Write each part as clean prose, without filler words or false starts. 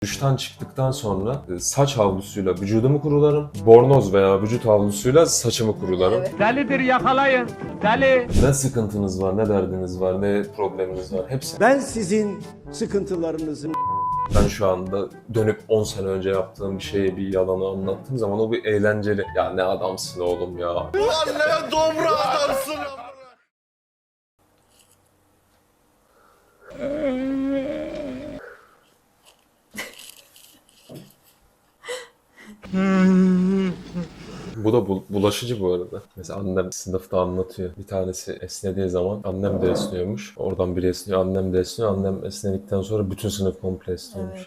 Duştan çıktıktan sonra saç havlusuyla vücudumu kurularım. Bornoz veya vücut havlusuyla saçımı kurularım. Evet. Delidir, yakalayın. Deli. Ne sıkıntınız var, ne derdiniz var, ne probleminiz var hepsi. Ben sizin sıkıntılarınızın Ben şu anda dönüp 10 sene önce yaptığım bir şeyi, bir yalanı anlattığım zaman o bir eğlenceli. Ya ne adamsın oğlum ya. Ne dobra adamsın. Bu da bulaşıcı bu arada. Mesela annem sınıfta anlatıyor. Bir tanesi esnediği zaman annem de esniyormuş. Oradan biri esniyor, annem de esniyor. Annem esnedikten sonra bütün sınıf komple esniyormuş.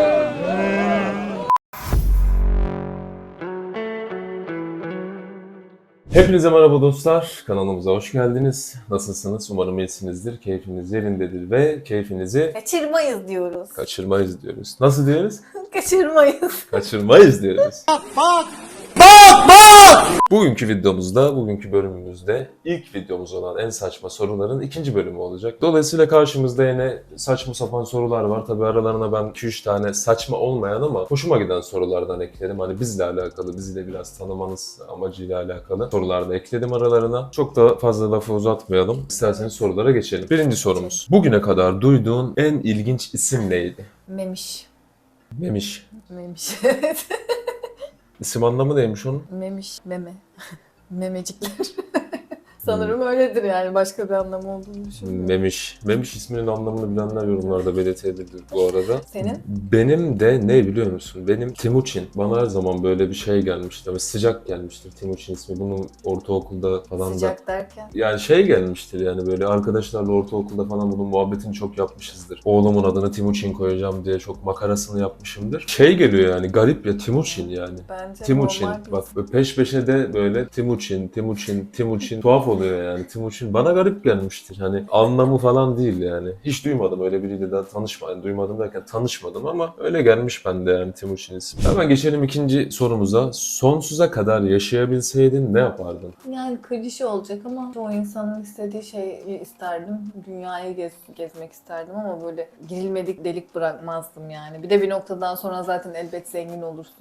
Hepinize merhaba dostlar. Kanalımıza hoş geldiniz. Nasılsınız? Umarım iyisinizdir. Keyfiniz yerindedir ve keyfinizi Kaçırmayız diyoruz. kaçırmayız diyoruz. Nasıl diyoruz? Kaçırmayız. Kaçırmayız diyoruz. Bugünkü videomuzda, bugünkü bölümümüzde ilk videomuz olan en saçma soruların ikinci bölümü olacak. Dolayısıyla karşımızda yine saçma sapan sorular var. Tabii aralarına ben 2-3 tane saçma olmayan ama hoşuma giden sorulardan ekledim. Hani bizle alakalı, bizi de biraz tanımanız amacıyla alakalı sorular da ekledim aralarına. Çok da fazla lafı uzatmayalım. İsterseniz sorulara geçelim. Birinci sorumuz. Bugüne kadar duyduğun en ilginç isim neydi? Memiş. Memiş. Memiş. Evet. İsim anlamı neymiş onun? Memiş. Meme. Memecikler. Sanırım öyledir yani. Başka bir anlamı olduğunu düşünmüyorum. Memiş. Memiş isminin anlamını bilenler yorumlarda belirtebilir bu arada. Senin? Benim de ne biliyor musun? Benim Timuçin. Bana her zaman böyle bir şey gelmişti. Ve sıcak gelmiştir Timuçin ismi. Bunun ortaokulda falan da... Sıcak derken? Yani şey gelmiştir yani böyle arkadaşlarla ortaokulda falan bunun muhabbetini çok yapmışızdır. Oğlumun adını Timuçin koyacağım diye çok makarasını yapmışımdır. Şey geliyor yani garip ya Timuçin yani. Bence Timuçin. normal bir Bak peş peşe de böyle Timuçin tuhaf oluyor yani. Timuçin bana garip gelmiştir. Hani anlamı falan değil yani. Hiç duymadım öyle biriyle daha tanışmadım. Duymadım derken tanışmadım ama öyle gelmiş bende yani Timuçin ismi. Hemen geçelim ikinci sorumuza. Sonsuza kadar yaşayabilseydin ne yapardın? Yani klişe olacak ama çoğu insanın istediği şeyi isterdim. Dünyayı gezmek isterdim ama böyle girilmedik delik bırakmazdım yani. Bir de bir noktadan sonra zaten elbet zengin olursun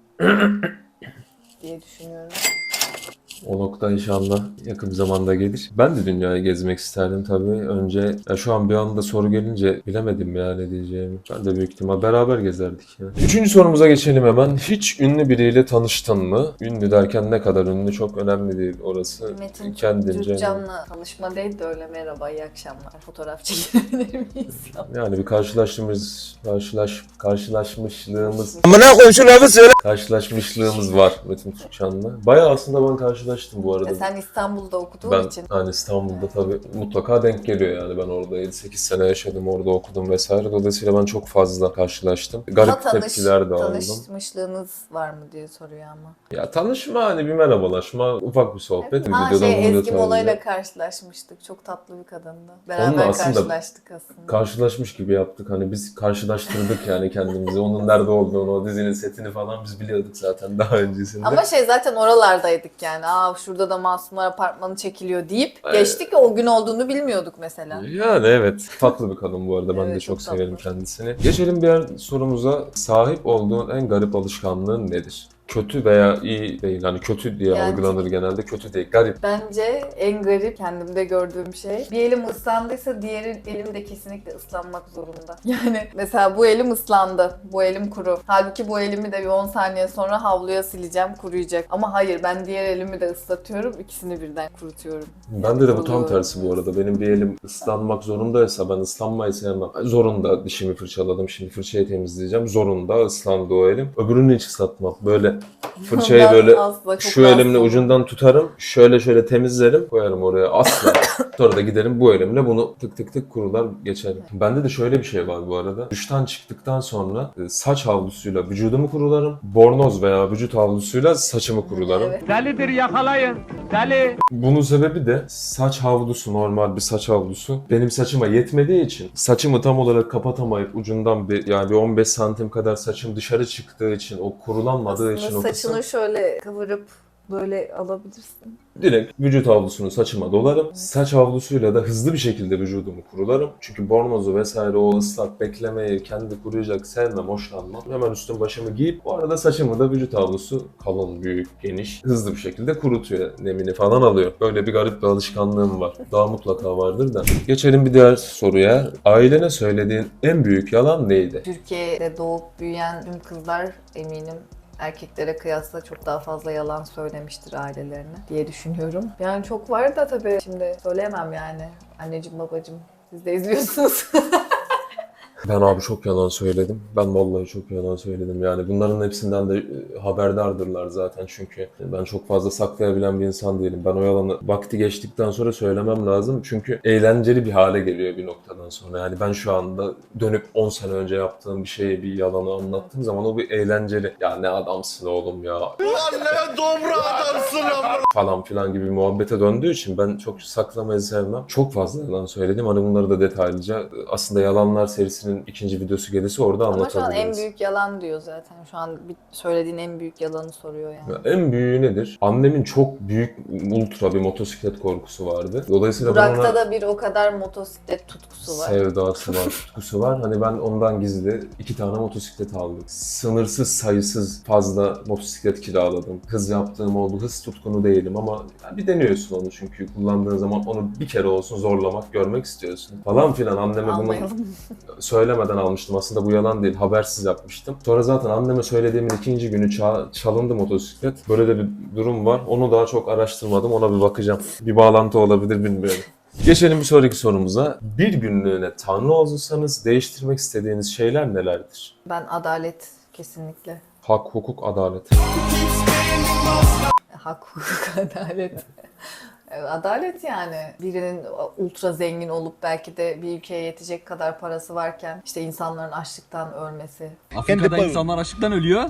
diye düşünüyorum. O nokta inşallah yakın bir zamanda gelir. Ben de dünyayı gezmek isterdim tabii. Önce şu an bir anda soru gelince bilemedim ya ne diyeceğimi. Ben de büyük ihtimal beraber gezerdik ya. Üçüncü sorumuza geçelim hemen. Hiç ünlü biriyle tanıştın mı? Ünlü derken ne kadar ünlü çok önemli değil orası. Metin Kendince. Türkcan'la tanışma değil de öyle merhaba iyi akşamlar fotoğraf çekilebilir miyiz? Yani bir karşılaşmışlığımız Amına koyayım şu lafı söyle. karşılaşmışlığımız var Metin Türkçan'la. Bayağı aslında ben karşılaştım bu arada. Sen İstanbul'da okuduğun Ben için. hani İstanbul'da tabii mutlaka denk geliyor yani ben orada 7-8 sene yaşadım orada okudum vesaire dolayısıyla ben çok fazla karşılaştım. Garip tepkiler de aldım. Tanışmışlığınız var mı diye soruyor ama. Ya tanışma hani bir merhabalaşma ufak bir sohbet. Ezgi Mola'yla karşılaşmıştık. Çok tatlı bir kadındı. Beraber Onunla aslında karşılaştık aslında. karşılaşmış gibi yaptık hani biz karşılaştırdık yani kendimizi onun nerede olduğunu o dizinin setini falan biz biliyorduk zaten daha öncesinde. Ama zaten oralardaydık yani. Şurada da Masumlar Apartmanı çekiliyor deyip geçtik o gün olduğunu bilmiyorduk mesela. Yani evet. Tatlı bir kadın bu arada. Ben Evet, de çok çok severim tatlı. kendisini. Geçelim diğer sorumuza. Sahip olduğun en garip alışkanlığın nedir? Kötü veya iyi değil. Hani kötü diye Yani- algılanır genelde. Kötü değil. Garip. Bence en garip kendimde gördüğüm şey bir elim ıslandıysa diğer elim de kesinlikle ıslanmak zorunda. Yani mesela bu elim ıslandı, bu elim kuru. Halbuki bu elimi de bir 10 saniye sonra havluya sileceğim, kuruyacak. Ama hayır ben diğer elimi de ıslatıyorum, ikisini birden kurutuyorum. Bende de bu tam Oluyor. tersi bu arada. Benim bir elim ıslanmak zorundaysa ben ıslanmayı sevmem. Zorunda dişimi fırçaladım. Şimdi fırçayı temizleyeceğim. Zorunda ıslandı o elim. Öbürünü hiç ıslatmam. Böyle fırçayı Ben böyle asla, çok şu elimle rahatsız ucundan tutarım. Şöyle temizlerim. Koyarım oraya asla. Sonra da giderim bu elimle bunu tık tık tık kurular geçerim. Bende de şöyle bir şey var bu arada. Duştan çıktıktan sonra saç havlusuyla vücudumu kurularım. Bornoz veya vücut havlusuyla saçımı kurularım. Evet. Delidir, yakalayın. Deli. Bunun sebebi de saç havlusu, normal bir saç havlusu benim saçıma yetmediği için saçımı tam olarak kapatamayıp ucundan bir 15 santim kadar saçım dışarı çıktığı için o kurulanmadığı için Aslında o saçını kısım. şöyle kıvırıp Böyle alabilirsin. Direkt vücut havlusunu saçıma dolarım. Saç havlusuyla da hızlı bir şekilde vücudumu kurularım. Çünkü bornozu vesaire o ıslak beklemeyi kendi kuruyacak sevmem, hoşlanmam. Hemen üstüm başımı giyip bu arada saçımı da vücut havlusu kalın, büyük, geniş, hızlı bir şekilde kurutuyor. Nemini falan alıyor. Böyle bir garip bir alışkanlığım var. Daha mutlaka vardır da. Geçelim bir diğer soruya. Ailene söylediğin en büyük yalan neydi? Türkiye'de doğup büyüyen tüm kızlar eminim erkeklere kıyasla çok daha fazla yalan söylemiştir ailelerine diye düşünüyorum. Yani çok var da tabii şimdi söyleyemem yani. Anneciğim, babacığım siz de izliyorsunuz. Ben abi çok yalan söyledim. Ben vallahi çok yalan söyledim. Yani bunların hepsinden de haberdardırlar zaten çünkü ben çok fazla saklayabilen bir insan değilim. Ben o yalanı vakti geçtikten sonra söylemem lazım. Çünkü eğlenceli bir hale geliyor bir noktadan sonra. Yani ben şu anda dönüp 10 sene önce yaptığım bir şeyi, bir yalanı anlattığım zaman o bir eğlenceli. Ya ne adamsın oğlum ya Ulan ne dobra adamsın ama. falan filan gibi bir muhabbete döndüğü için ben çok saklamayı sevmem. Çok fazla yalan söyledim. Hani bunları da detaylıca aslında Yalanlar serisinin ikinci videosu gelirse orada Ama şu an anlatabiliriz. en büyük yalan diyor zaten. Şu an söylediğin en büyük yalanı soruyor yani. Ya en büyüğü nedir? Annemin çok büyük ultra bir motosiklet korkusu vardı. Dolayısıyla ben Burak'ta ona da bir o kadar motosiklet tutkusu var. sevdası var, tutkusu var. Hani ben ondan gizli 2 tane motosiklet aldım. Sınırsız sayısız fazla motosiklet kiraladım. Hız yaptığım oldu. Hız tutkunu değilim ama ya bir deniyorsun onu çünkü kullandığın zaman onu bir kere olsun zorlamak, görmek istiyorsun. Falan filan anneme bunu Almayalım. söylemeden almıştım. Aslında bu yalan değil. Habersiz yapmıştım. Sonra zaten anneme söylediğimin ikinci günü çalındı motosiklet. Böyle de bir durum var. Onu daha çok araştırmadım. Ona bir bakacağım. Bir bağlantı olabilir bilmiyorum. Geçelim bir sonraki sorumuza. Bir günlüğüne Tanrı olsanız değiştirmek istediğiniz şeyler nelerdir? Ben adalet kesinlikle. Hak, hukuk, adalet. Hak, hukuk, adalet. Adalet yani. Birinin ultra zengin olup belki de bir ülkeye yetecek kadar parası varken işte insanların açlıktan ölmesi, Afrika'da insanlar açlıktan ölüyor.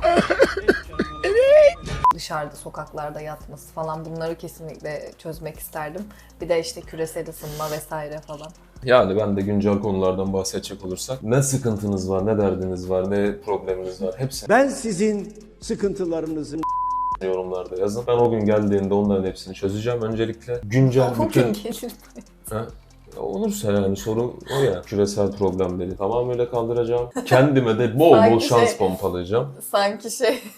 dışarıda sokaklarda yatması falan bunları kesinlikle çözmek isterdim. Bir de işte küresel ısınma vesaire falan. Yani ben de güncel konulardan bahsedecek olursak ne sıkıntınız var, ne derdiniz var, ne probleminiz var hepsini Ben sizin sıkıntılarınızın yorumlarda yazın. Ben o gün geldiğinde onların hepsini çözeceğim. Öncelikle güncel bütün... Bugün gelir. Ha? Olursa yani soru o ya. Küresel problemleri tamamıyla kaldıracağım. Kendime de bol bol Sanki şans pompalayacağım. Sanki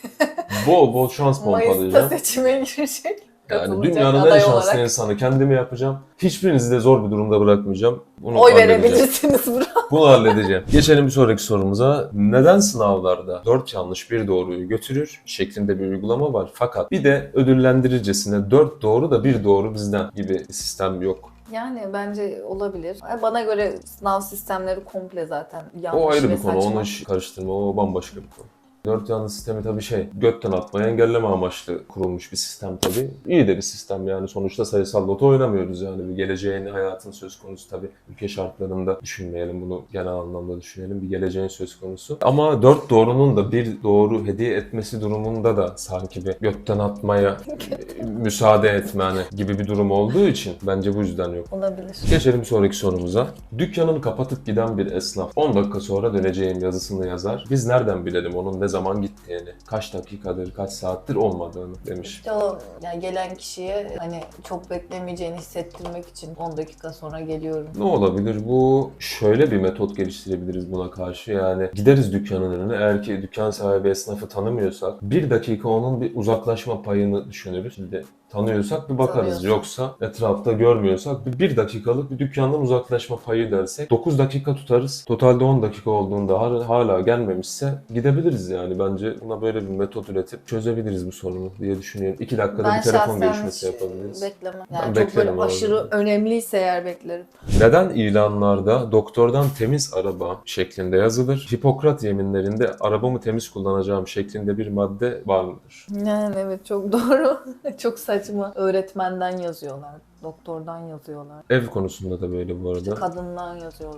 Bol bol şans Mayıs'ta pompalayacağım. seçime girecek. Yani Katılacak dünyanın en aday şanslı olarak. insanı kendimi yapacağım. Hiçbirinizi de zor bir durumda bırakmayacağım. Bunu Oy halledeceğim. verebilirsiniz buna. Bunu halledeceğim. Geçelim bir sonraki sorumuza. Neden sınavlarda 4 yanlış 1 doğruyu götürür şeklinde bir uygulama var. Fakat bir de ödüllendiricesine 4 doğru da 1 doğru bizden gibi bir sistem yok. Yani bence olabilir. Bana göre sınav sistemleri komple zaten yanlış O ayrı ve bir konu. saçma. Onu hiç karıştırma. O bambaşka bir konu. 4 yanlış sistemi tabii götten atmayı engelleme amaçlı kurulmuş bir sistem tabii. İyi de bir sistem yani. Sonuçta sayısal loto oynamıyoruz yani. Bir geleceğin, hayatın söz konusu tabii. Ülke şartlarında düşünmeyelim bunu, genel anlamda düşünelim. Bir geleceğin söz konusu. Ama 4 doğrunun da 1 doğru hediye etmesi durumunda da sanki bir götten atmaya müsaade etme hani gibi bir durum olduğu için bence bu yüzden yok. Olabilir. Geçelim bir sonraki sorumuza. Dükkanını kapatıp giden bir esnaf 10 dakika sonra döneceğim yazısını yazar. Biz nereden bilelim onun ne zaman gittiğini, kaç dakikadır, kaç saattir olmadığını demiş. İşte o yani gelen kişiye hani çok beklemeyeceğini hissettirmek için 10 dakika sonra geliyorum. Ne olabilir? Bu şöyle bir metot geliştirebiliriz buna karşı. Yani gideriz dükkanın önüne. Eğer ki dükkan sahibi esnafı tanımıyorsak 1 dakika onun bir uzaklaşma payını düşünürüz. Şimdi tanıyorsak bir bakarız. Tanıyorsak. Yoksa etrafta görmüyorsak bir dakikalık bir dükkandan uzaklaşma payı dersek 9 dakika tutarız. Totalde 10 dakika olduğunda hala gelmemişse gidebiliriz yani. Bence buna böyle bir metot üretip çözebiliriz bu sorunu diye düşünüyorum. 2 dakikada Ben bir telefon şahsen görüşmesi hiç yapabiliriz. beklemem. Ben Yani çok böyle beklerim abi. aşırı önemliyse eğer beklerim. Neden ilanlarda doktordan temiz araba şeklinde yazılır? Hipokrat yeminlerinde arabamı temiz kullanacağım şeklinde bir madde var mıdır? Yani evet çok doğru. Çok saçma. Öğretmenden yazıyorlar. Doktordan yazıyorlar. Ev konusunda da böyle bu arada. Kadından yazıyorlar mesela.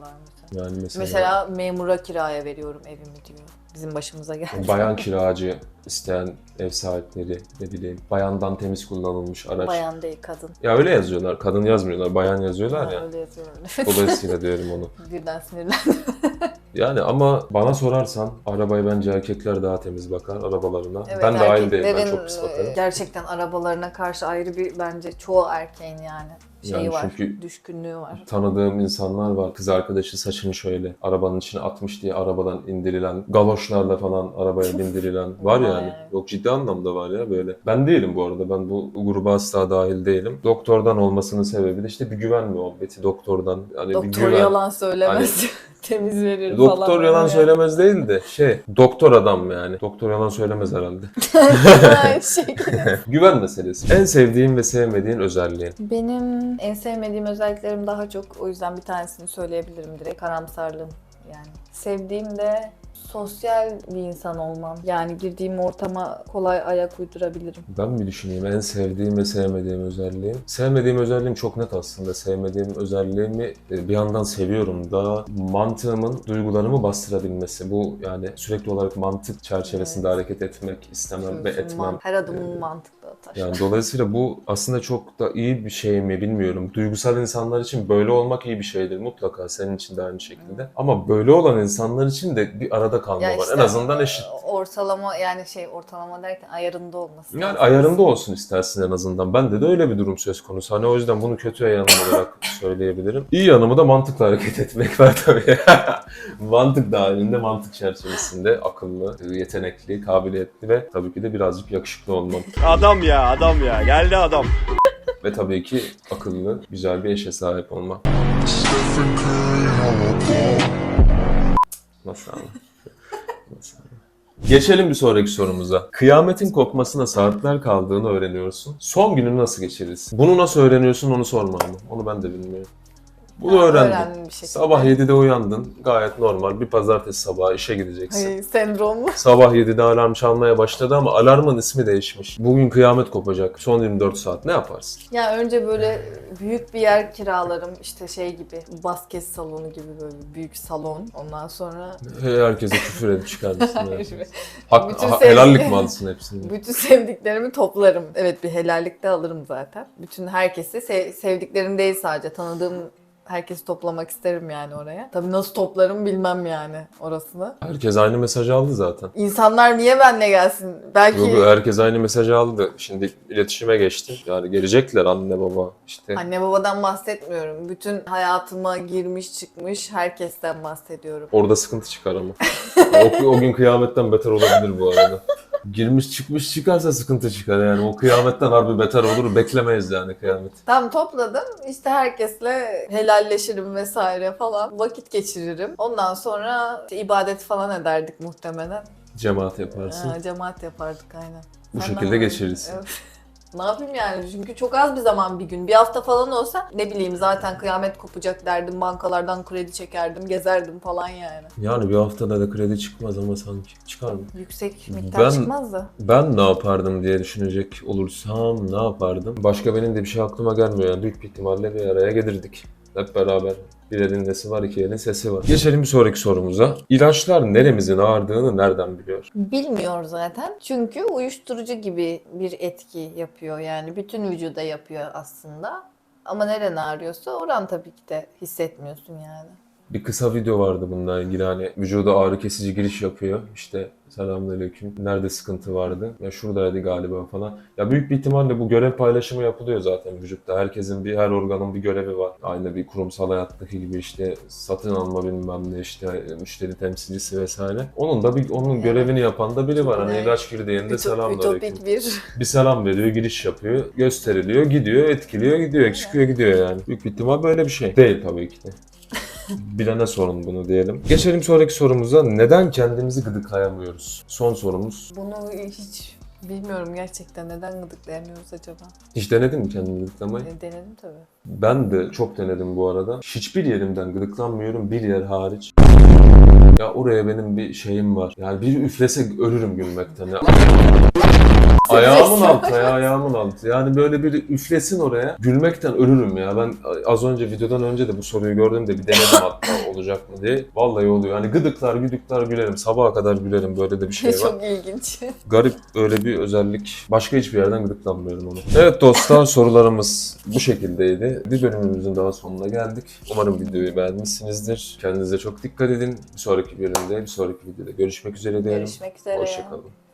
Yani Mesela memura kiraya veriyorum evimi diyor. Bizim başımıza geldi. bayan kiracı isteyen ev sahipleri, ne bileyim, bayandan temiz kullanılmış araç. Bayan değil, kadın. Ya öyle yazıyorlar, kadın yazmıyorlar, bayan yazıyorlar Ha, ya. öyle yazıyorlar. Dolayısıyla diyorum onu. Birden sinirlendim. Yani ama bana sorarsan arabaya bence erkekler daha temiz bakar arabalarına. Evet, Ben dahil değilim, ben erkeklerin, çok pis bakarım. gerçekten arabalarına karşı ayrı bir bence çoğu erkeğin yani şeyi Yani var, çünkü- düşkünlüğü var. Tanıdığım insanlar var. Kız arkadaşı saçını şöyle arabanın içine atmış diye arabadan indirilen, galoşlarla falan arabaya bindirilen var Vay. yani. Yok, ciddi anlamda var ya böyle. Ben değilim bu arada. Ben bu gruba asla dahil değilim. Doktordan olmasının sebebi de işte bir güven muhabbeti. Doktordan hani bir Doktor güven. yalan söylemez. Temiz verir falan. Doktor yalan öyle. söylemez değil de doktor adam yani. Doktor yalan söylemez herhalde. Aynı şekilde. Güven meselesi. En sevdiğin ve sevmediğin özelliğin. Benim en sevmediğim özelliklerim daha çok, o yüzden bir tanesini söyleyebilirim direkt. Karamsarlığım yani. Sevdiğim de sosyal bir insan olmam. Yani girdiğim ortama kolay ayak uydurabilirim. Ben bir düşüneyim. En sevdiğim ve sevmediğim özelliğim. Sevmediğim özelliğim çok net aslında. Sevmediğim özelliğimi bir yandan seviyorum da mantığımın duygularımı bastırabilmesi. Bu yani sürekli olarak mantık çerçevesinde hareket etmek istemem ve etmem. Her adımın mantıklı atar. Yani dolayısıyla bu aslında çok da iyi bir şey mi bilmiyorum. Duygusal insanlar için böyle olmak iyi bir şeydir mutlaka. Senin için de aynı şekilde. Ama böyle olan insanlar için de bir arada kalma Ya var. işte, En azından eşit. Ortalama yani ortalama derken ayarında olması. Yani lazım. ayarında olsun istersin en azından. Bende de öyle bir durum söz konusu. Hani o yüzden bunu kötü yanım olarak söyleyebilirim. İyi yanımı da mantıkla hareket etmek var tabii. Mantık dahilinde, mantık çerçevesinde akıllı, yetenekli, kabiliyetli ve tabii ki de birazcık yakışıklı olmam. Adam ya adam ya geldi adam. Ve tabii ki akıllı, güzel bir eşe sahip olmam. Nasıl ama? Nasıl ama? Geçelim bir sonraki sorumuza. Kıyametin kopmasına saatler kaldığını öğreniyorsun. Son gününü nasıl geçirirsin? Bunu nasıl öğreniyorsun onu sorma ama. Onu ben de bilmiyorum. Bunu öğrendim. Öğrendim bir şekilde. Sabah 7'de uyandın. Gayet normal. Bir pazartesi sabahı işe gideceksin. Hayır, sendromlu. Sabah 7'de alarm çalmaya başladı ama alarmın ismi değişmiş. Bugün kıyamet kopacak. Son 24 saat ne yaparsın? Ya önce böyle büyük bir yer kiralarım, işte gibi, basket salonu gibi böyle büyük salon. Ondan sonra Herkese küfür edip çıkar mısın? Hayır. Bütün Helallik mi alsın hepsini? bütün sevdiklerimi toplarım. Evet, bir helallik de alırım zaten. Bütün herkesi, sevdiklerim değil sadece, tanıdığım herkesi toplamak isterim yani oraya. Tabii nasıl toplarım bilmem yani orasını. Herkes aynı mesajı aldı zaten. İnsanlar niye benle gelsin? Belki Yok, herkes aynı mesajı aldı. Şimdi iletişime geçti. Yani gelecekler anne baba işte. anne babadan bahsetmiyorum. Bütün hayatıma girmiş çıkmış herkesten bahsediyorum. Orada sıkıntı çıkar ama. O gün kıyametten beter olabilir bu arada. Girmiş çıkmış çıkarsa sıkıntı çıkar yani. O kıyametten harbi beter olur. Beklemeyiz yani kıyamet. Tam topladım. İşte herkesle helalleşirim vesaire falan. Vakit geçiririm. Ondan sonra işte ibadet falan ederdik muhtemelen. Cemaat yaparsın. Cemaat yapardık aynen. Bu Sen şekilde ne yapardın? geçirirsin. Evet. Ne yapayım yani? Çünkü çok az bir zaman, bir gün. Bir hafta falan olsa ne bileyim zaten kıyamet kopacak derdim. Bankalardan kredi çekerdim, gezerdim falan yani. Yani bir haftada da kredi çıkmaz ama sanki. Çıkar mı? Yüksek miktar çıkmaz da. Ben ne yapardım diye düşünecek olursam ne yapardım? Başka benim de bir şey aklıma gelmiyor. Yani büyük bir ihtimalle bir araya gelirdik. Hep beraber. Bir elin nesi var, iki elin sesi var. Geçelim bir sonraki sorumuza. İlaçlar neremizin ağrırdığını nereden biliyor? Bilmiyor zaten. Çünkü uyuşturucu gibi bir etki yapıyor. Yani bütün vücuda yapıyor aslında. Ama neren ağrıyorsa oran tabii ki de hissetmiyorsun yani. Bir kısa video vardı bununla ilgili, hani vücuda ağrı kesici giriş yapıyor. İşte selamünaleyküm. Nerede sıkıntı vardı? Ya şuradaydı galiba falan. Ya büyük bir ihtimalle bu görev paylaşımı yapılıyor zaten vücutta. Herkesin her organın bir görevi var. Aynı bir kurumsal hayattaki gibi işte satın alma bilmem ne, işte müşteri temsilcisi vesaire. Onun görevini yapan da biri var. Hani Evet. ilaç girdiğinde selamünaleyküm. Ütopik bir... Bir selam veriyor, giriş yapıyor, gösteriliyor, gidiyor, etkiliyor, gidiyor, çıkıyor, gidiyor yani. Büyük bir ihtimal böyle bir şey. Değil tabii ki de. Bilene sorun bunu diyelim. Geçelim sonraki sorumuza. Neden kendimizi gıdıklayamıyoruz? Son sorumuz. Bunu hiç bilmiyorum gerçekten. Neden gıdıklayamıyoruz acaba? Hiç denedin mi kendini gıdıklamayı? Denedim tabii. Ben de çok denedim bu arada. Hiçbir yerimden gıdıklanmıyorum, bir yer hariç. Ya oraya benim bir şeyim var. Yani bir üflese ölürüm gülmekten. Ya. Ayağımın altı ya, ayağımın altı. Yani böyle bir üflesin oraya. Gülmekten ölürüm ya. Ben az önce videodan önce de bu soruyu gördüm de bir denedim hatta olacak mı diye. Vallahi oluyor. Yani gıdıklar gülerim. Sabaha kadar gülerim. Böyle de bir şey var. Çok ilginç. Garip öyle bir özellik. Başka hiçbir yerden gıdıklanmıyorum onu. Evet dostlar, sorularımız bu şekildeydi. Bir bölümümüzün daha sonuna geldik. Umarım videoyu beğenmişsinizdir. Kendinize çok dikkat edin. Bir sonraki bölümde, bir sonraki videoda görüşmek üzere diyelim. Görüşmek üzere. Hoşçakalın.